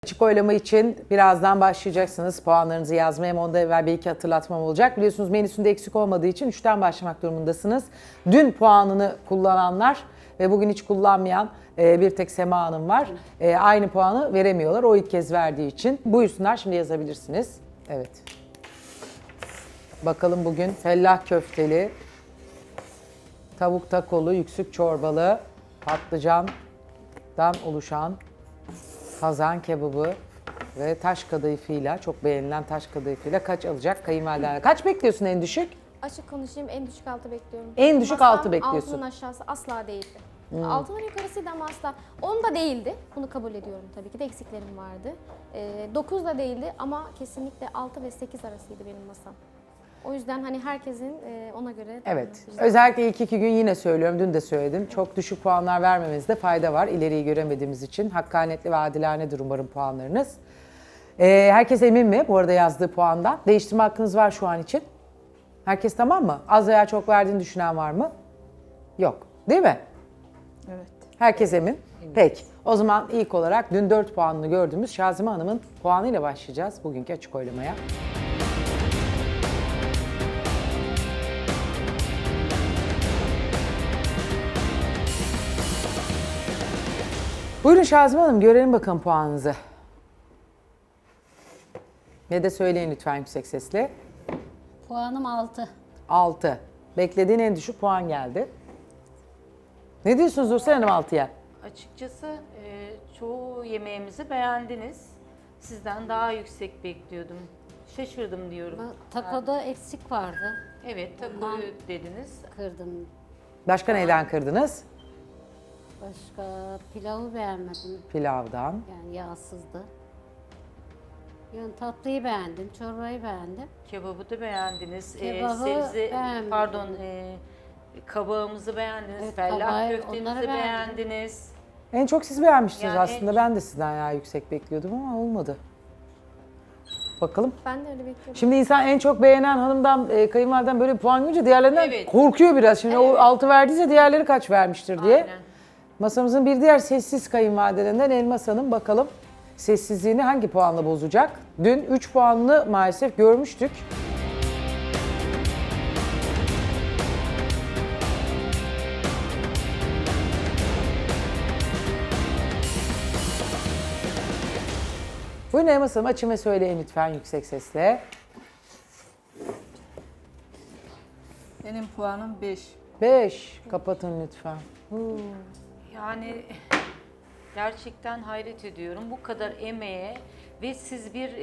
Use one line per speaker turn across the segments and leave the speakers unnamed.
Açık oylama için birazdan başlayacaksınız. Puanlarınızı yazmaya hem ondan evvel bir iki hatırlatmam olacak. Biliyorsunuz menüsünde eksik olmadığı için 3'ten başlamak durumundasınız. Dün puanını kullananlar ve bugün hiç kullanmayan bir tek Sema Hanım var. Aynı puanı veremiyorlar o ilk kez verdiği için. Buyursunlar, şimdi yazabilirsiniz. Evet. Bakalım bugün fellah köfteli, tavuk takolu, yüksük çorbalı, patlıcandan oluşan kazan kebabı ve taş kadayıfıyla, çok beğenilen taş kadayıfıyla kaç alacak kayınvaliden? Kaç bekliyorsun en düşük?
Açık konuşayım, en düşük 6 bekliyorum.
En düşük
Masam
6 bekliyorsun.
Altının aşağısı asla değildi. Altının yukarısıydı ama asla. 10 da değildi. Bunu kabul ediyorum tabii ki de, eksiklerim vardı. 9 da değildi ama kesinlikle 6 ve 8 arasıydı benim masam. O yüzden hani herkesin ona göre...
Evet. Özellikle ilk 2 gün yine söylüyorum, dün de söyledim. Çok düşük puanlar vermemizde fayda var. İleriyi göremediğimiz için. Hakkaniyetli ve adilanedir umarım puanlarınız. Herkes emin mi bu arada yazdığı puandan? Değiştirme hakkınız var şu an için. Herkes tamam mı? Az veya çok verdiğini düşünen var mı? Yok. Değil mi?
Evet.
Herkes emin. Peki. O zaman ilk olarak dün 4 puanını gördüğümüz Şazime Hanım'ın puanıyla başlayacağız bugünkü açık oylamaya. Buyurun Şazime Hanım, görelim bakalım puanınızı. Ne de söyleyin lütfen yüksek sesle.
Puanım 6.
6. Beklediğin en düşük puan geldi. Ne diyorsunuz Nursel Hanım 6'ya?
Açıkçası çoğu yemeğimizi beğendiniz. Sizden daha yüksek bekliyordum. Şaşırdım diyorum.
Takoda eksik vardı.
Evet, takoyu dediniz.
Kırdım.
Başka neyden kırdınız?
Başka pilavı beğenmedim.
Pilavdan.
Yani yağsızdı. Yani tatlıyı beğendim, çorbayı beğendim.
Kebabı da beğendiniz.
Kebabı beğenmedim.
Pardon, kabağımızı beğendiniz.
Evet,
Fellah
kabağı,
köftemizi
onları beğendim.
beğendiniz.
En çok siz beğenmiştiniz
Yani
aslında. Ben de sizden ya yüksek bekliyordum ama olmadı. Bakalım.
Ben de öyle bekliyorum.
Şimdi insan en çok beğenen hanımdan, kayınvaliden böyle bir puan görünce diğerlerinden
Evet.
korkuyor biraz. Şimdi o 6 verdiyse diğerleri kaç vermiştir diye.
Aynen.
Masamızın bir diğer sessiz kayınvalidelerinden Elmas Hanım, bakalım sessizliğini hangi puanla bozacak? Dün 3 puanını maalesef görmüştük. Buyurun Elmas Hanım, açın ve söyleyin lütfen yüksek sesle.
Benim puanım 5.
5. Kapatın lütfen.
Yani gerçekten hayret ediyorum. Bu kadar emeğe ve siz bir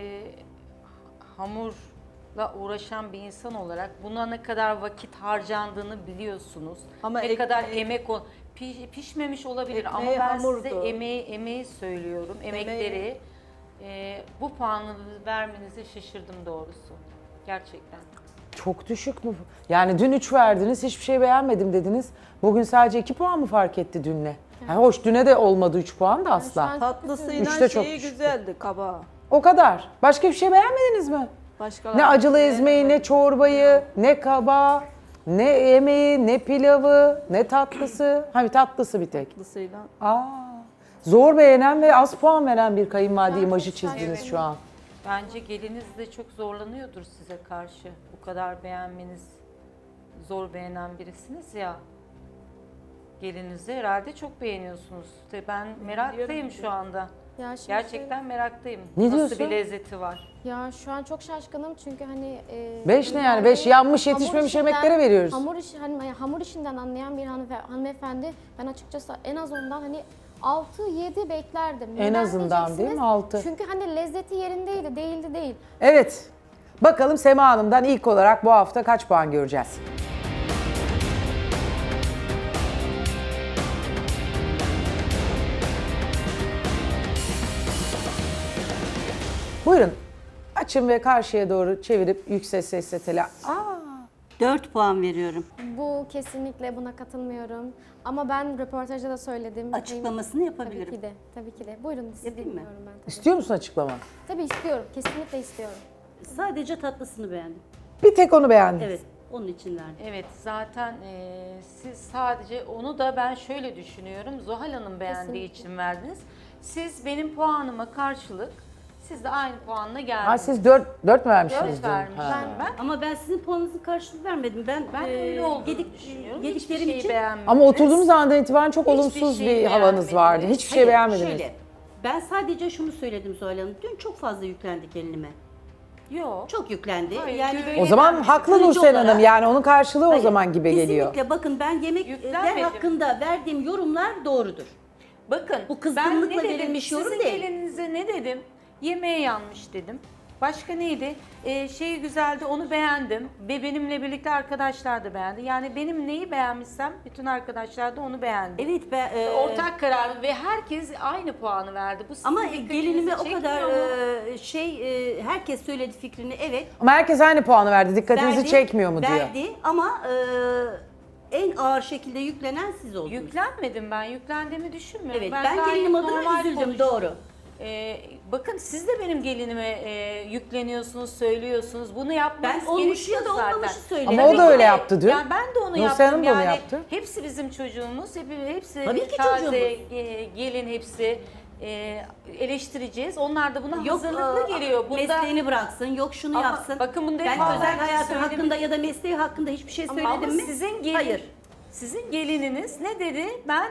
hamurla uğraşan bir insan olarak buna ne kadar vakit harcandığını biliyorsunuz.
Ama
ne kadar
ekmeği-
emek pişmemiş olabilir ama
Ekmeği
ben
hamurdu.
size emeği söylüyorum. Emekleri bu puanı vermenize şaşırdım doğrusu. Gerçekten.
Çok düşük mü? Yani dün 3 verdiniz, hiçbir şey beğenmedim dediniz. Bugün sadece 2 puan mı fark etti dünle? Yani hoş, düne de olmadı 3 puan da asla.
şu an-
Tatlısıyla
Üçte çok
şeyi
düşüktü.
güzeldi, kabağı.
O kadar. Başka bir şey beğenmediniz mi?
Başka
Ne acılı ezmeyi, ne çorbayı, ne kabağı, ne yemeği, ne pilavı, ne tatlısı. Hani tatlısı bir tek.
tatlısıyla.
Zor beğenen ve az puan veren bir kayınvalide
Ben
imajı
çok
çizdiniz
şaşırdım.
şu an.
Bence geliniz de çok zorlanıyordur size karşı. Bu kadar beğenmeniz, zor beğenen birisiniz ya. Gelinizi herhalde çok beğeniyorsunuz. İşte ben meraktayım şu anda.
Ya şimdi
Gerçekten meraktayım.
Ne
Nasıl
diyorsun?
bir lezzeti var?
Ya şu an çok şaşkınım çünkü hani...
5 ne yani? 5 yanmış yetişmemiş yemeklere veriyoruz.
Hamur işinden anlayan bir hanımefendi, ben açıkçası en az ondan hani 6-7 beklerdim.
En
Neden
azından değil mi?
diyeceksiniz?
6.
Çünkü hani lezzeti yerindeydi, değildi değil.
Evet. Bakalım Sema Hanım'dan ilk olarak bu hafta kaç puan göreceğiz? Buyurun. Açın ve karşıya doğru çevirip yüksek sesle
4 puan veriyorum.
Bu kesinlikle, buna katılmıyorum. Ama ben röportajda da söyledim.
Açıklamasını yapabilirim.
Tabii ki de, tabii ki de. Buyurun, sizi
Yapayım mı?
dinliyorum ben tabii.
İstiyor musun açıklama?
Tabii istiyorum, kesinlikle istiyorum.
Sadece tatlısını beğendim.
Bir tek onu beğendim.
Evet, onun için verdim.
Evet, zaten siz sadece onu da ben şöyle düşünüyorum. Zuhal Hanım beğendiği
Kesinlikle.
için verdiniz. Siz benim puanıma karşılık, siz de aynı puanla geldiniz.
Ha, siz 4 mü vermişsiniz?
4
dün?
vermişim
Ha.
ben.
Ama ben sizin puanınızın karşılığını vermedim. Ben
Öyle olduğunu düşünüyorum.
yediklerim
Hiçbir şeyi
için
beğenmediniz.
Ama oturduğunuz andan itibaren çok
Hiçbir
olumsuz
şeyi
bir havanız vardı.
beğenmediniz.
Hiçbir şey
Hayır,
beğenmediniz.
Şöyle, ben sadece şunu söyledim Zuhal Hanım. Dün çok fazla yüklendi gelinime.
Yok.
Çok yüklendi.
Hayır,
yani
böyle-
O zaman haklı
Kırıcı
Nursel
olarak-
Hanım, yani onun karşılığı o
Hayır,
zaman gibi geliyor.
Kesinlikle bakın, ben yemekler
Yüklenmedim.
hakkında verdiğim yorumlar doğrudur.
Bakın
Bu kızgınlıkla
ben ne dedim,
verilmiş yorum
sizin
değil.
gelinize ne dedim? Yemeğe yanmış dedim. Başka neydi? Şeyi güzeldi, onu beğendim. Ve benimle birlikte arkadaşlar da beğendi. Yani benim neyi beğenmişsem bütün arkadaşlar da onu beğendi.
Evet, ben
Ortak karar ve herkes aynı puanı verdi. Bu sizin
ama
dikkatinizi
gelinime o
çekmiyor
kadar
mu?
herkes söyledi fikrini, evet.
Ama herkes aynı puanı verdi. Dikkatinizi
Verdi,
çekmiyor mu diyor.
Verdi ama en ağır şekilde yüklenen siz oldunuz.
Yüklenmedim ben. Yüklendiğimi düşünmüyorum.
Evet, ben
gayet
gelinim adına
normal
üzüldüm,
konuştum.
doğru.
Bakın siz de benim gelinime yükleniyorsunuz, söylüyorsunuz. Bunu yapmanız
Ben olmuşu ya da
gerekiyor
olmamışı
zaten.
söyledim.
Ama o da
Tabii
öyle
ki.
yaptı dün.
Yani ben de onu
Nursel
yaptım.
Hanım da onu
Yani
yaptı.
hepsi bizim çocuğumuz, hepsi
Tabii ki
taze,
çocuğumuz.
gelin hepsi eleştireceğiz. Onlar da buna
Yok
hazırlıklı geliyor. Bunda
mesleğini bıraksın, yok şunu
Ama
yapsın.
bakın bunda
ben
hep
özel
ben
hayatı
söyledim.
hakkında ya da mesleği hakkında hiçbir şey söyledim
ama
mi?
sizin gelin,
Hayır.
sizin gelininiz ne dedi? Ben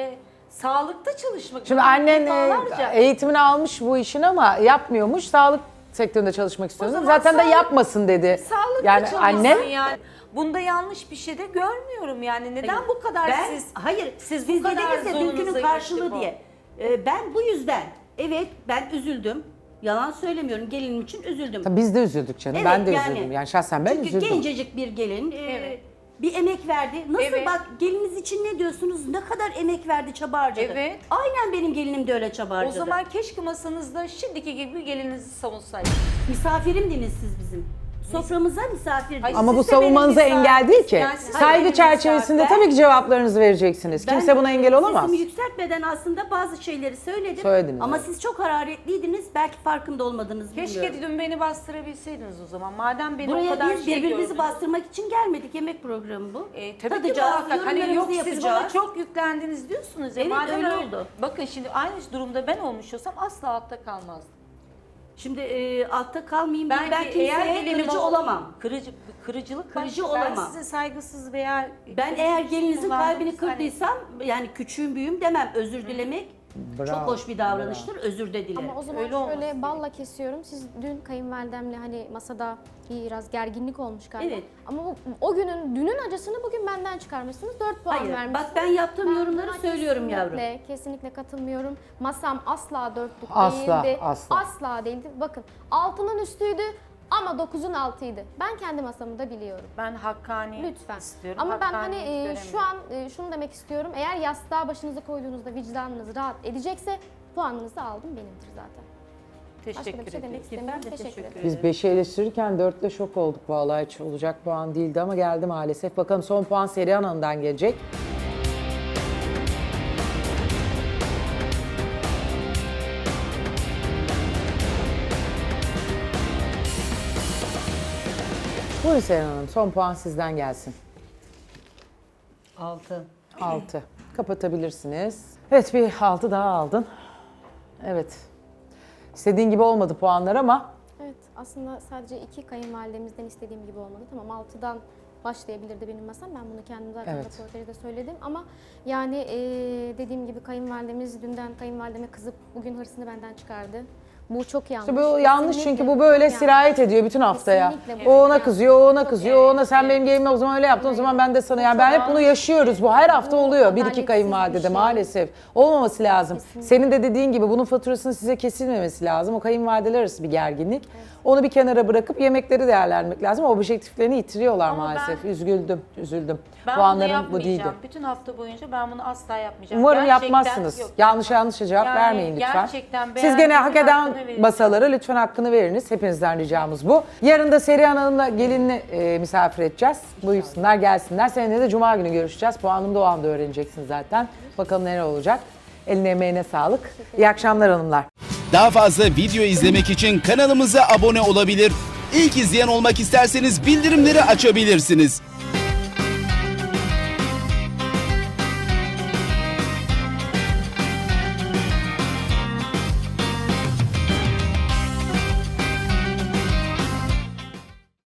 sağlıkta çalışmak
Şimdi
istiyorum.
annen
Defalarca.
eğitimini almış bu işin ama yapmıyormuş. Sağlık sektöründe çalışmak istiyordu.
zaman
Zaten de
sağlık-
yapmasın dedi.
Sağlıklı
Yani
çalışsın
annem
yani. Bunda yanlış bir şey de görmüyorum yani. Neden bu kadar
Ben,
siz
hayır,
siz
siz
bu kadar
dediniz ya
zorunuza
dünkünün
gitti
karşılığı
bu?
diye. Ben bu yüzden, evet ben üzüldüm. Yalan söylemiyorum, gelinim için üzüldüm.
Tabii biz de üzüldük canım.
Evet,
ben de
yani.
üzüldüm. Yani şahsen ben
Çünkü
üzüldüm.
gencecik bir gelin,
Evet.
bir emek verdi. Nasıl
Evet.
bak, geliniz için ne diyorsunuz? Ne kadar emek verdi, çaba harcadı.
Evet.
Aynen benim gelinim de öyle çaba
O
harcadı.
zaman keşke masanızda şimdiki gibi gelinizi savunsaydınız.
Misafirimdiniz siz bizim. Soframıza misafirdiniz.
Hayır,
Ama bu
siz de benim
savunmanıza
misafir-
engel değil ki.
Yani siz de
Saygı
benim
çerçevesinde
misafir-
tabii ki cevaplarınızı vereceksiniz.
Ben
Kimse buna engel olamaz.
Sesimi yükseltmeden aslında bazı şeyleri söyledim.
Söylediniz,
Ama
evet.
siz çok hararetliydiniz. Belki farkında olmadınız,
Keşke
bilmiyorum.
dün beni bastırabilseydiniz o zaman. Madem beni o
Buraya
kadar
biz
şey
birbirimizi
gördünüz.
bastırmak için gelmedik. Yemek programı bu.
Tabii ki
Tadacağız,
muhakkak. Hani yok
yorumlarımızı
siz bana
yapacağız.
çok yüklendiniz diyorsunuz ya.
Evet,
Madem
öyle oldu.
Bakın şimdi aynı durumda ben olmuş olsam asla altta kalmazdım.
Şimdi altta kalmayayım diye ben
Belki eğer
kimseye
gelinim
kırıcı olamam.
Kırıcılık
Kırıcı
başka. Ben
olamam.
size saygısız veya
Ben eğer gelinizin
kullandığınız
kalbini
hani-
kırdıysam, yani küçüğüm büyüğüm demem. Özür dilemek çok
Bravo,
hoş bir davranıştır. Özür de dilerim.
Ama o zaman
Öyle olması
şöyle balla kesiyorum. Siz dün kayınvalidemle hani masada biraz gerginlik olmuş galiba.
Evet.
Ama o günün, dünün acısını bugün benden çıkarmışsınız. 4 puan
Hayır,
vermişsiniz.
bak ben yaptığım yorumları
buna
söylüyorum yavrum.
Kesinlikle katılmıyorum. Masam asla 4'lük
Asla,
değildi.
asla.
Asla değildi. Bakın 6'nın üstüydü ama 9'un altıydı. Ben kendi masamı da biliyorum.
Ben hakkaniyet
Lütfen.
istiyorum.
Ama ben hani
Hakkaniyet
şu
göremiyorum.
an şunu demek istiyorum. Eğer yastığa başınızı koyduğunuzda vicdanınız rahat edecekse puanınızı aldım benimdir zaten. Başka da
Teşekkür
bir şey demek
ederim.
istemiyorum.
Ben de
Teşekkür
teşekkür
ederim.
Biz 5'i eleştirirken 4'te şok olduk vallahi, hiç olacak puan değildi ama geldi maalesef. Bakalım son puan Serihan Hanım'dan gelecek. Buyurun Serihan Hanım, son puan sizden gelsin.
6.
6. Kapatabilirsiniz. Evet, bir 6 daha aldın. Evet. İstediğin gibi olmadı puanlar ama
Evet, aslında sadece 2 kayınvalidemizden istediğim gibi olmadı. Tamam 6'dan başlayabilirdi benim masam. Ben bunu kendim zaten
Evet.
röportajda söyledim. Ama yani dediğim gibi kayınvalidemiz dünden kayınvalideme kızıp bugün hırsını benden çıkardı. Bu çok yanlış.
İşte bu yanlış,
Kesinlikle
çünkü bu böyle
yanlış.
sirayet ediyor bütün haftaya.
Kesinlikle bu
O ona
yanlış.
kızıyor, o ona
Çok
kızıyor, o ona
evet,
sen
evet.
benim gelinime o zaman öyle yaptın, o zaman ben de sana. Yani
çok
ben hep bunu
yanlış.
yaşıyoruz. Bu her hafta
Bu
oluyor. Bir iki
adaletsiz
kayınvalidede
bir şey.
maalesef. Olmaması lazım.
Kesinlikle.
Senin de dediğin gibi bunun faturasının size kesilmemesi lazım. O kayınvalideler arası bir gerginlik. Onu bir kenara bırakıp yemekleri değerlendirmek lazım. O objektiflerini yitiriyorlar
Ama
maalesef.
ben-
Üzüldüm.
Ben bunu
Puanlarım bu
yapmayacağım.
değildi.
Bütün hafta boyunca ben bunu asla yapmayacağım.
Umarım
Gerçekten
yapmazsınız.
yok.
Yanlış cevap
Yani
vermeyin lütfen.
gerçekten
Siz
beğendim,
gene hak eden
hakkını verin.
masalara lütfen hakkını veriniz. Hepinizden ricamız bu. Yarın da Serihan Hanım'la gelinini misafir edeceğiz. Buyursunlar, gelsinler. Seninle de Cuma günü görüşeceğiz. Puanını da o anda öğreneceksin zaten. Bakalım neler olacak. Eline emeğine sağlık. İyi akşamlar hanımlar.
Daha fazla video izlemek için kanalımıza abone olabilir. İlk izleyen olmak isterseniz bildirimleri açabilirsiniz.